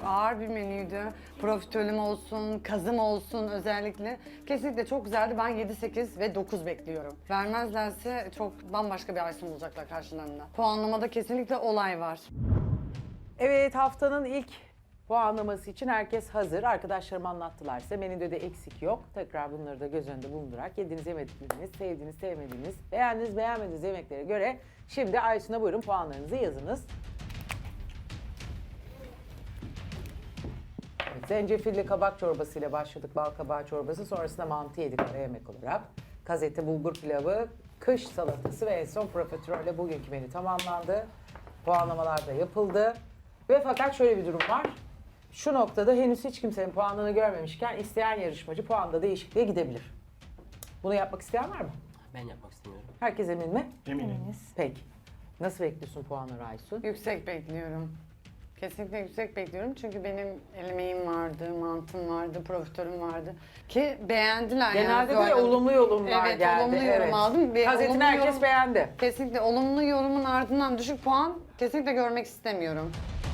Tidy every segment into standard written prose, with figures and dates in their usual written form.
ağır bir menüydü. Profiterolüm olsun, kazım olsun özellikle. Kesinlikle çok güzeldi. Ben 7, 8 ve 9 bekliyorum. Vermezlerse çok bambaşka bir Aysun olacaklar karşılarında. Puanlamada kesinlikle olay var. Evet, haftanın ilk puanlaması için herkes hazır. Arkadaşlarım anlattılar size. Menüde de eksik yok. Tekrar bunları da göz önünde bulundurarak yediğiniz, yemedikleriniz, sevdiğiniz, sevmediğiniz, beğendiğiniz, beğenmediğiniz yemeklere göre şimdi Aysun'a buyurun puanlarınızı yazınız. Evet, zencefilli kabak çorbasıyla başladık. Bal kabağı çorbası. Sonrasında mantı yedik ara yemek olarak. Gazete bulgur pilavı, kış salatası ve en son profiterolle bugünkü menü tamamlandı. Puanlamalar da yapıldı. Ve fakat şöyle bir durum var. Şu noktada henüz hiç kimsenin puanını görmemişken isteyen yarışmacı puanda değişikliğe gidebilir. Bunu yapmak isteyen var mı? Ben yapmak istemiyorum. Herkes emin mi? Eminim. Peki. Nasıl bekliyorsun puanları Aysun? Yüksek bekliyorum. Kesinlikle yüksek bekliyorum çünkü benim elemeğim vardı, mantım vardı, profiterolüm vardı. Ki beğendiler Genelde yani. de olumlu yorumlar Evet, geldi. olumlu yorum aldım. Ve Gazetini olumlu herkes yorum- beğendi. Kesinlikle olumlu yorumun ardından düşük puan kesinlikle görmek istemiyorum.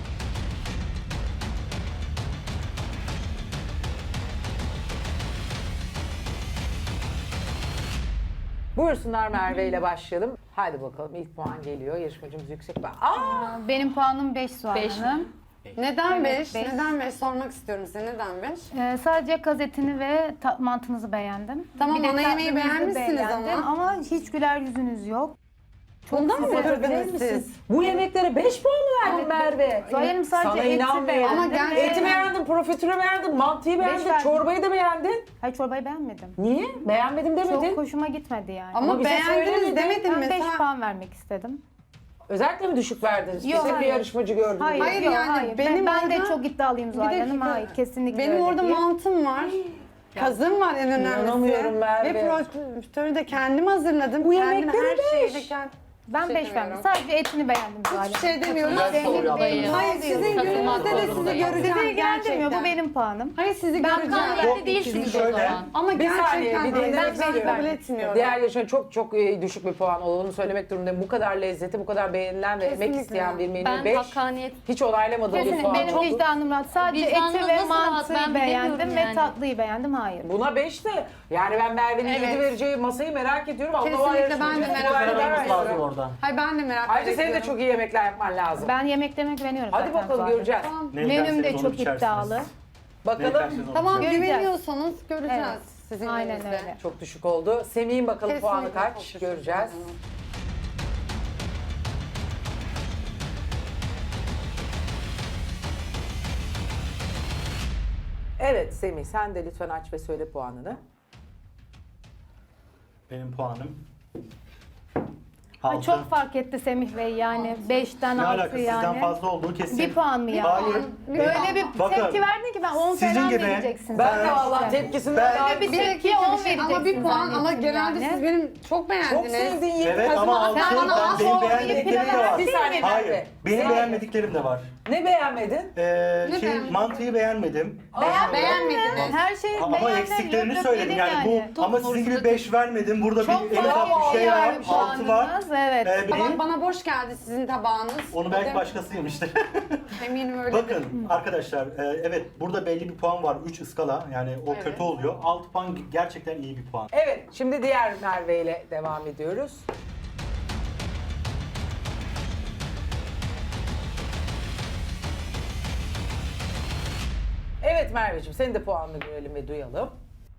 Buyursunlar Merve ile başlayalım. Haydi bakalım ilk puan geliyor. Yarışmacımız yüksek. Benim puanım 5 Zuhal Hanım. Neden Evet, 5? beş. Neden 5? Sormak istiyorum size. Neden 5? Sadece gazetini ve mantınızı beğendim. Tamam, Bir de ana yemeği tatlınızı beğenmişsiniz beğendim ama. hiç güler yüzünüz yok. Bundan mı size kırdınız siz? Bu yemeklere 5 puan mı verdin Merve? Zuhal Hanım sadece Sana eti inanmıyorum. beğendim. Ama gerçekten- Eti beğendin, profiterolü beğendin, mantıyı beğendin, verdim. çorbayı da beğendin. Hayır, çorbayı beğenmedim. Niye? Beğenmedim demedin. Çok hoşuma gitmedi yani. Ama bize beğendiniz söylemedin. demedim Ben 5 mesela. puan vermek istedim. Özellikle mi düşük verdiniz? Yok, Tek bir hayır. yarışmacı gördüm. Hayır, Hayır, yok, yani hayır. benim ben de orada- çok iddialıyım Bir Zuhal Hanım. dakika. Hayır, kesinlikle Benim öyle orada değil. mantım var. Kazım var en İnanamıyorum önemlisi. Merve. Ve profiterolü de kendim hazırladım. Bu Kendim yemeklere her şeyi beş. de kendim. Ben Şey 5 verdim. demiyorum. Sadece etini beğendim Zuhal Hanım. Hiçbir şey demiyorum. Ben soru yaptım. Hayır, sizin gününüzde de sizi göreceğim Sizi ilgilendirmiyor. Bu gerçekten. benim puanım. Hayır, sizi Ben göreceğim. kan değilsiniz o şöyle- zaman. Ama Bir saniye, gerçekten bir dinlemek ben istiyorum. kabul etmiyorum. Diğer yarışmacı çok düşük bir puan olduğunu söylemek durumundayım. Bu kadar lezzeti, bu kadar beğenilen ve emek Kesinlikle. isteyen bir menü Ben 5. hakkaniyet Hiç onaylamadığım bir Kesinlikle puan benim oldu. vicdanım rahat. Sadece Vicdanınız eti ve nasıl rahat? mantıyı Ben beğendim bilemiyorum ve yani. tatlıyı beğendim. Hayır. Buna 5 de yani ben Merve'nin Evet. 7 vereceği masayı merak ediyorum. Allah Kesinlikle yarışmacı ben de çok merak güzel ediyorum. verdi. lazım orada. Hayır, ben de merak Ayrıca ediyorum. senin de çok iyi yemekler yapman lazım. Ben yemeklerime güveniyorum Hadi zaten bakalım Zuhal Hanım. göreceğiz. Ne Menüm de yerseniz onu çok içersiniz. iddialı. Ne Bakalım. yerseniz onu Tamam, Göreceğiz. güveniyorsanız göreceğiz Evet. sizin Aynen elinizde. öyle. Çok düşük oldu. Semih'in bakalım Kesinlikle puanı çok kaç? düşük. Göreceğiz. Evet Semih sen de lütfen aç ve söyle puanını. Benim puanım. Ay, Altı. çok fark etti Semih Bey yani 5'ten Ne 6 alakası sizden yani. fazla olduğu kesin. Bir puan mı yani? Hayır. Öyle bir Bakın, tepki verdin ki ben 10 sizin falan gibi- vereceksiniz. Ben de zaten. vallahi tepkisinden daha Öyle bir Bir tepkiye dakika, 10 bir şey, vereceksin ama bir puan, ama zannettim genelde yani. siz benim çok çok beğendiniz. sevdiğin yeri Evet ama altı sen bana az benim oldu, beğenmediklerim de var. Bir saniye Hayır. Merve. Benim Hayır. beğenmediklerim de var. Ne beğenmedin? beğenmedin? Mantıyı beğenmedim. Beğenmediniz. Her şeyi Ama beğendim, eksiklerini yok söyledim dedin yani bu ama sizin gibi 5 vermedim. Burada Çok bir en ufak fazla bir şey var. yani 6 var. puanınız, evet. Ama bana boş geldi sizin tabağınız. Onu belki Dedim, başkası yemiştir. Eminim öyle. Bakın arkadaşlar evet burada belli bir puan var. 3 ıskala yani o Evet. kötü oluyor. 6 puan gerçekten iyi bir puan. Evet şimdi diğer Merve ile devam ediyoruz. Evet Merveciğim senin de puanını görelim ve duyalım.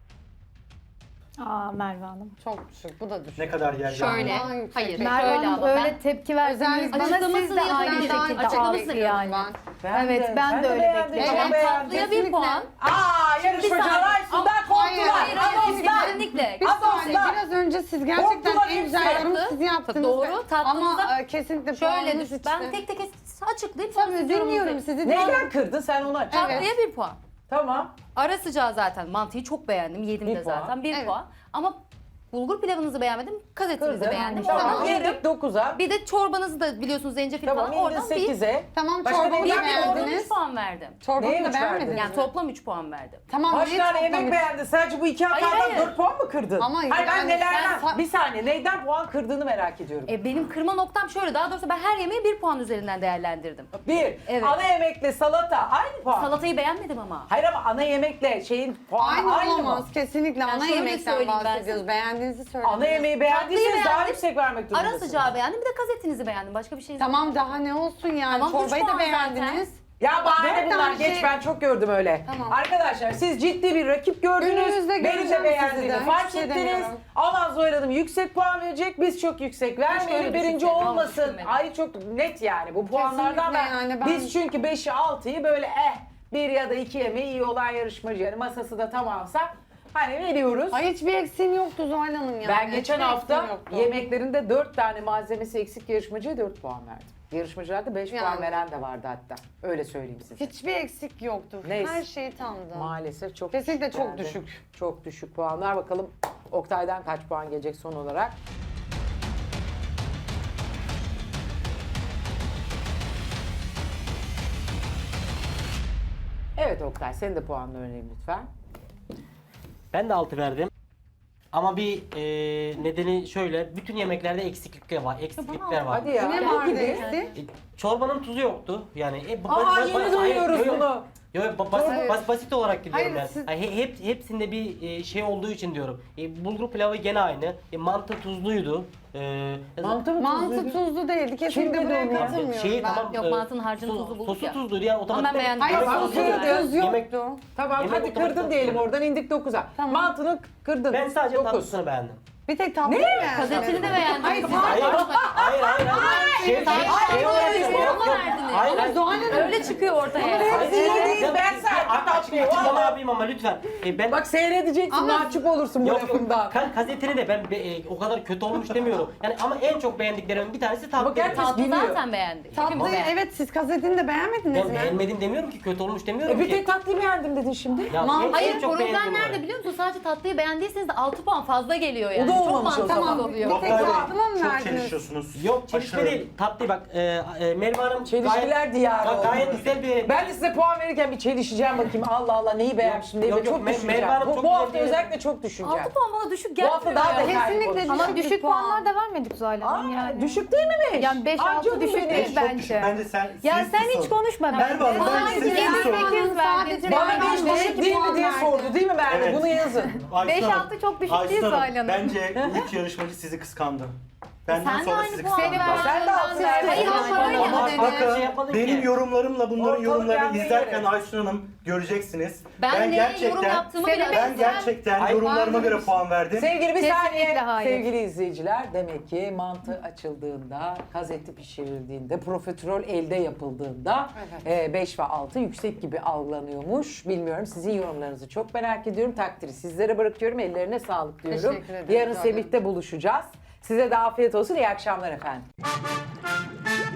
Aa Merve Hanım. Çok düşük, bu da düşük. Ne kadar yer Şöyle, Daha yüksek hayır, bir- Merve şöyle Hanım ama öyle ben tepki verdiniz. Özellikle Bana siz de açıklamasını aynı yazın, ben şekilde açıklamasını aldı yazın. yani. Ben. Evet, ben de öyle beğendim. bekliyorum. Tamam, Evet, beğendim. tatlıya bir Kesinlikle. puan. Aa yarışmacılar saniye. şundan Hayır, korktular. hayır, hayır, Kesinlikle. Bir saniye, Asla. biraz önce siz gerçekten Korktular en hepsi. güzel yorumu Tatlı. siz yaptınız. Doğru, tatlınıza Ama kesinlikle Şöyle puanınız düşün. hiç Ben de- tek tek açıklayıp sonra Tabii siz dinliyorum yorumunuzu- sizi. Neyden kırdın sen onu aç. Tatlıya bir puan. Tamam. Ara sıcağı zaten mantıyı çok beğendim. Yedim Bir de puan. zaten. Bir Evet. puan. Ama Bulgur pilavınızı beğenmedim, kazetinizi Kırdın. beğendim. Tamam, Oradan yarım. yedik 9'a. Bir de çorbanızı da biliyorsunuz zencefil Tamam, falan. indin Oradan bir 8'e. Tamam, Başka çorbanı neyden da oradan beğendiniz. 3 puan verdim. Çorbanı Neye da üç verdin? beğenmediniz Yani mi? toplam 3 puan verdim. Tamam, Kaç niye tane yemek toplam üç? beğendin? Sadece bu iki Hayır, hatadan hayır. 4 puan mı kırdın? Ama Hayır ben yani nelerden? sen- Bir saniye neyden puan kırdığını merak ediyorum. Benim kırma noktam şöyle, daha doğrusu ben her yemeği 1 puan üzerinden değerlendirdim. Bir, Evet. ana yemekle salata aynı puan. Salatayı beğenmedim ama. Hayır ama ana yemekle şeyin puanı Aynı aynı, olamaz. mı? Kesinlikle ana şöyle yemekten söyleyeyim ben bahsediyoruz. Beğendiğinizi söyleyin. Ana yemeği beğendiyseniz Tatlıyı daha beğendim. yüksek vermek Ara durumundasınız. sıcağı beğendim, bir de kazetinizi beğendim. Başka bir şey Tamam, daha ne olsun yani. Tamam, üç Çorbayı da puan beğendiniz. Ya bahane Dört bunlar tane geç şey- ben çok gördüm öyle. Tamam. Arkadaşlar siz ciddi bir rakip gördünüz. Gününüzde Benim de göreceğim beğendiğimi sizi de, fark hiçbir şey ettiniz. demiyorum. Aman Zuhal Hanım yüksek puan verecek biz çok yüksek vermeyelim öyle birinci düşünseydim, ama olmasın. düşünmedim. Ay çok net yani bu puanlardan Kesinlikle yani ben- biz çünkü 5'i 6'yı böyle bir ya da 2 yemeği iyi olan yarışmacı yani masası da tamamsa hani veriyoruz. Ay, hiçbir eksiğim yoktu Zuhal Hanım yani. Ben geçen Hiçbir hafta eksiğim yoktu. yemeklerinde 4 tane malzemesi eksik yarışmacıya 4 puan verdim. Yarışmacılarda 5 puan Yani. veren de vardı hatta. Öyle söyleyeyim size. Hiçbir eksik yoktu. Neyse. Her şey tamdı. Maalesef çok Kesinlikle düşük çok geldi. düşük. Çok düşük puanlar. Bakalım Oktay'dan kaç puan gelecek son olarak? Evet Oktay, senin de puanını öğrenelim lütfen. Ben de 6 verdim. Ama bir nedeni şöyle, bütün yemeklerde eksiklikler var. Eksiklikler var. Hadi ya. Ne Ne vardı gibi? eksik? Çorbanın tuzu yoktu. Yani Yeni duyuyoruz bunu. basit olarak gidiyorum Hayır, yani. siz- Hepsinde bir şey olduğu için diyorum. Bulgur pilavı gene aynı. Mantı tuzluydu. Mantı mı Mantı tuzluydu? tuzlu değildi. Kesinlikle Kim dedi buraya onu ya? katılmıyorum Şeyi ben. tamam. Yok, mantının harcını tuzlu bulduk Sosu ya. tuzluydu yani Ama ben beğendim. Hayır, Bak, sosu kırdı. tuz Yemek- yoktu. Tamam Yemek hadi otomatik kırdın diyelim yapıyor. oradan indik 9'a. Tamam. Mantını kırdın. Ben sadece 9. tatlısını beğendim. Bir tek tatlı beğendim. Kazetini de beğendim. Hayır, Hayır, hayır. Şey olarak Üç puan mı verdiniz? Hayır, hayır. Zuhal Hanım. Öyle çıkıyor ortaya. Hepsi iyi değil, ben Hatta açıklama yapayım ama lütfen. Ben Bak seyredeceksin Ama- mahcup olursun bu Yok yok. lafından. Gazeteni de ben o kadar kötü olmuş demiyorum. Yani ama en çok beğendiklerimin bir tanesi tatlı. gerçekten- Tatlı Biliyor. zaten beğendik. Tatlıyı Hepimiz beğendik. evet, siz kasetini de beğenmediniz Ben mi? beğenmedim demiyorum ki, kötü olmuş demiyorum Bir ki. tek tatlıyı beğendim dedin şimdi. Ya en Hayır, çok problem beğendiğim nerede olarak. biliyor musun? Sadece tatlıyı beğendiyseniz de 6 puan fazla geliyor yani. O da Çok olmamış o mantıksız zaman. oluyor. Bir tek Oktay Bey, tatlı mı çok verdiniz? çelişiyorsunuz. Yok çelişme Aşırı. değil. Tatlı bak Merve Hanım Çelişkiler diyarı gayet oldu. güzel bir... Ben de size puan verirken bir çelişeceğim bakayım. Allah Allah neyi beğenmişim diye Yok, yok, çok Merve düşüneceğim. Hanım çok Bu güzel hafta bir- özellikle çok düşüneceğim. 6 puan bana düşük Bu gelmiyor. hafta daha ya. detaylı Kesinlikle konuşacağım. Ama Düşük bir düşük puan. puanlar da vermedik Zuhal Hanım yani. Düşük değil mi 5? Yani 5-6 düşük değil Çok bence. düşük. Bence sen... Ya siz sen hiç susun. konuşma Merve Hanım, bence. ben Sadece size yedi, soruyorum. sekiz verdin. Bana Ben 5 de düşük iki değil mi puan diye verdim. sordu değil mi Merve? Evet. Bunu yazın. Aysun 5-6 Hanım, çok düşük Aysun değil Hanım, Zuhal Hanım. Bence bu 3 yarışmacı sizi kıskandı. Benden Sen de sonra aynı sizi puan kıskandı. verdin. Sen de altı verdin. Hayır, ama öyle Ama dedi. bak- Bakın şey yapmadık benim ki. yorumlarımla bunların Ortalık yorumlarını yandı izlerken yere. Aysun Hanım göreceksiniz. Ben ne yorum yaptığımı bile Ben gerçekten Ay, yorumlarıma ben- göre puan verdim. Sevgili bir Kesinlikle saniye. hayır. Sevgili izleyiciler demek ki mantı açıldığında, gazeti pişirildiğinde, profiterol elde yapıldığında 5 ve 6 yüksek gibi algılanıyormuş. Bilmiyorum sizin yorumlarınızı çok merak ediyorum. Takdiri sizlere bırakıyorum. Ellerine sağlık diyorum. Teşekkür ederim. Yarın Sağ olun. Semih'te buluşacağız. Size de afiyet olsun. İyi akşamlar efendim.